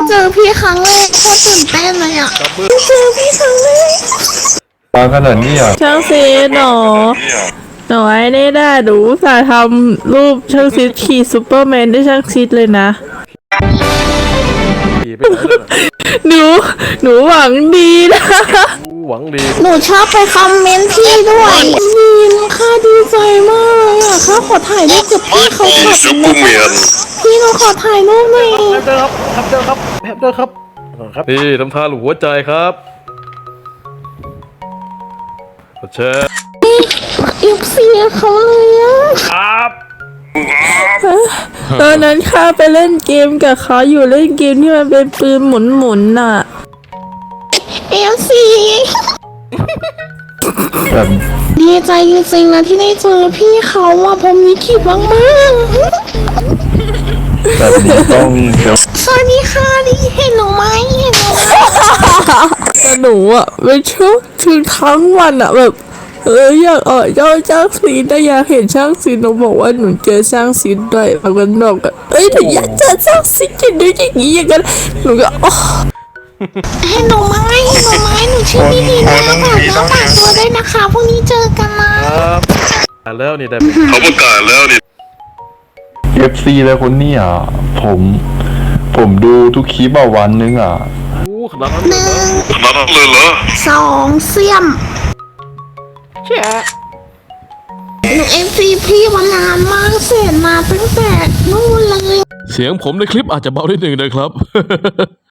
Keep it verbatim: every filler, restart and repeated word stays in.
เจอพี่ครั้งแรกโคตรตื่นเต้นเลยอ่ะเจอพี่ครั้งแรกมาขนาดนี้อ่ะช่างซีดหนอหนูไอ้นี่ได้หนูสาทำรูปช่างซีดขี่ซูเปอร์แมนได้ช่างซีดเลยนะหนูหนูหวังดีนะหวังดีหนูชอบไปคอมเมนต์พี่ด้วยนี่ค่ะดีใจมากเลยอ่ะค่ะขอถ่ายรูปกับพี่เขาขับนะคะพี่หนูขอถ่ายรูปหน่อยเจอครับครับเจอครับเจอครับครับนี่ทำท่าหลูหัวใจครับแชร์เอฟซีเขาเลยอ่ะครับตอนนั้นข้าไปเล่นเกมกับเขาอยู่เล่นเกมที่มันเป็นปืนหมุนๆน่ะเอฟซีแบบดีใจจริงๆนะที่ได้เจอพี่เขาอ่ะผมนี้คิดมากมากแบบนี้ต้องเดี๋ยวสวัสดีค่ะนี่เห็นหนูไหมเห็นหนูไหมแต่หนูอ่ะเป็นช่วงถึงทั้งวันอ่ะแบบเอออยากออกเจ้าช่างซีนแต่อยากเห็นช่างซีนหนูบอกว่าหนูเจอช่างซีนด้วยแล้วก็บอกกันเอ้ยหนูอยากเจอช่างซีนจะดูอย่างนี้อย่างนั้นหนูก็อ๋อเห็นหนูไหมเห็นหนูไหมหนูชื่อพี่ดีนะฝากน้องฝากตัวด้วยนะคะพรุ่งนี้เจอกันนะครับแล้วนี่ได้เขาประกาศแล้วนี่เอฟซีเลยคนนี้อ่ะผมผมดูทุกคลิปอ่ะวันนึงอ่ะอู้ขนาดนั้นหนึ่งขนาดนั้นเลยเหรอสองเสี่ยมแช่หนูเอฟซีพี่มานานมากเสร็จมาตั้งแต่นู่นเลยเสียงผมในคลิปอาจจะเบานิดหนึ่งนะครับ